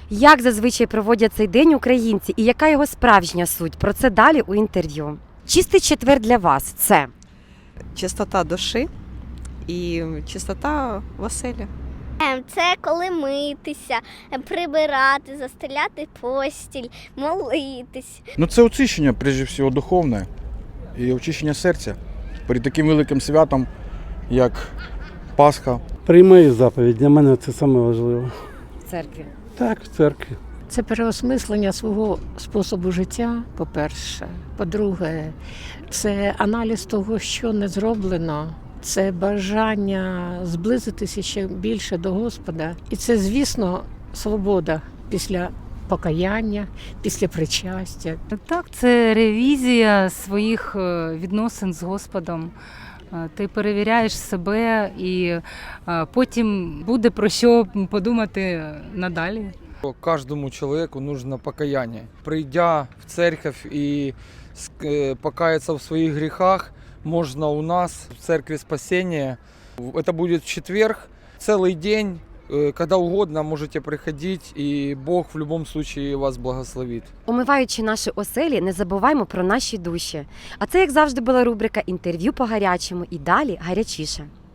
Як зазвичай проводять цей день українці і яка його справжня суть? Про це далі у інтерв'ю. Чистий четвер для вас – це? Чистота душі і чистота в оселі. Це коли митися, прибирати, застеляти постіль, молитись. Ну це очищення, прежде всього, духовне і очищення серця перед таким великим святом, як Пасха. Приймаю заповідь, для мене це саме важливо. В церкві. Так, в церкві. Це переосмислення свого способу життя, по-перше. По-друге, це аналіз того, що не зроблено. Це бажання зблизитися ще більше до Господа. І це, звісно, свобода після покаяння, після причастя. Так, це ревізія своїх відносин з Господом. Ти перевіряєш себе і потім буде про що подумати надалі. Каждому человеку нужно покаяние. Придя в церковь и покаяться в своих грехах, можно у нас в церкви спасения. Это будет в четверг, целый день, когда угодно можете приходить, и Бог в любом случае вас благословит. Омиваючи наші оселі, не забуваймо про наші душі. А це, як завжди, була рубрика «Інтерв'ю по гарячому» і далі гарячіше.